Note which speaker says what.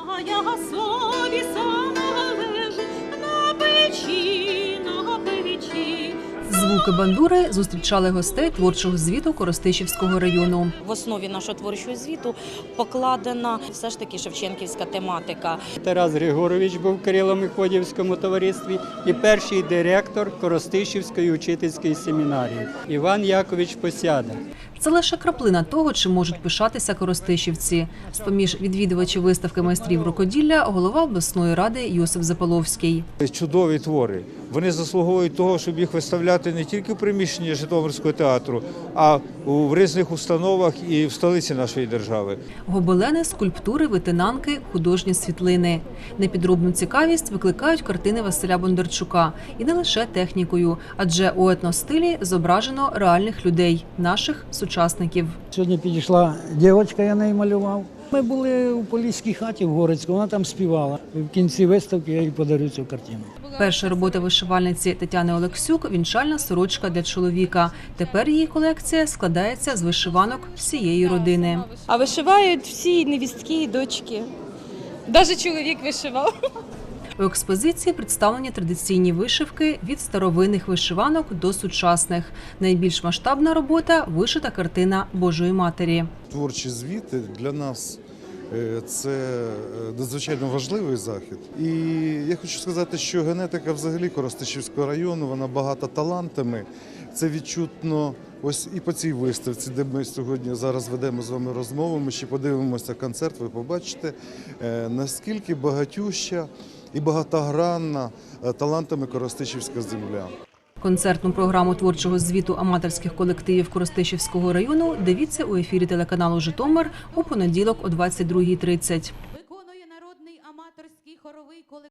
Speaker 1: А я собі сама лежу на печі, на печі.
Speaker 2: Звуки бандури зустрічали гостей творчого звіту Коростишівського району.
Speaker 3: В основі нашого творчого звіту покладена все ж таки шевченківська тематика.
Speaker 4: Тарас Григорович був в Кирило-Мефодіївському товаристві і перший директор Коростишівської учительської семінарії Іван Якович Посяда.
Speaker 2: Це лише краплина того, чим можуть пишатися коростишівці. З-поміж відвідувачів виставки майстрів рукоділля голова обласної ради Йосип Запаловський.
Speaker 5: Чудові твори. Вони заслуговують того, щоб їх виставляти не тільки в приміщенні Житомирського театру, а в різних установах і в столиці нашої держави.
Speaker 2: Гобелени, скульптури, витинанки, художні світлини. Непідробну цікавість викликають картини Василя Бондарчука. І не лише технікою, адже у етностилі зображено реальних людей, наших сучасників.
Speaker 6: Сьогодні підійшла дівчинка, я неї малював. Ми були у Поліській хаті в Горицьку, вона там співала. В кінці виставки я їй подарю цю картину.
Speaker 2: Перша робота вишивальниці Тетяни Олексюк – вінчальна сорочка для чоловіка. Тепер її колекція складається з вишиванок всієї родини.
Speaker 7: А вишивають всі невістки і дочки. Навіть чоловік вишивав.
Speaker 2: У експозиції представлені традиційні вишивки від старовинних вишиванок до сучасних. Найбільш масштабна робота – вишита картина Божої Матері.
Speaker 8: Творчі звіти для нас – це надзвичайно важливий захід. І я хочу сказати, що генетика взагалі Коростишівського району, вона багата талантами. Це відчутно ось і по цій виставці, де ми сьогодні зараз ведемо з вами розмову. Ми ще подивимося концерт, ви побачите, наскільки багатюща і багатогранна талантами Коростишівська земля.
Speaker 2: Концертну програму творчого звіту аматорських колективів Коростишівського району дивіться у ефірі телеканалу «Житомир» у понеділок о 22:30.
Speaker 1: Виконує народний аматорський хоровий колектив.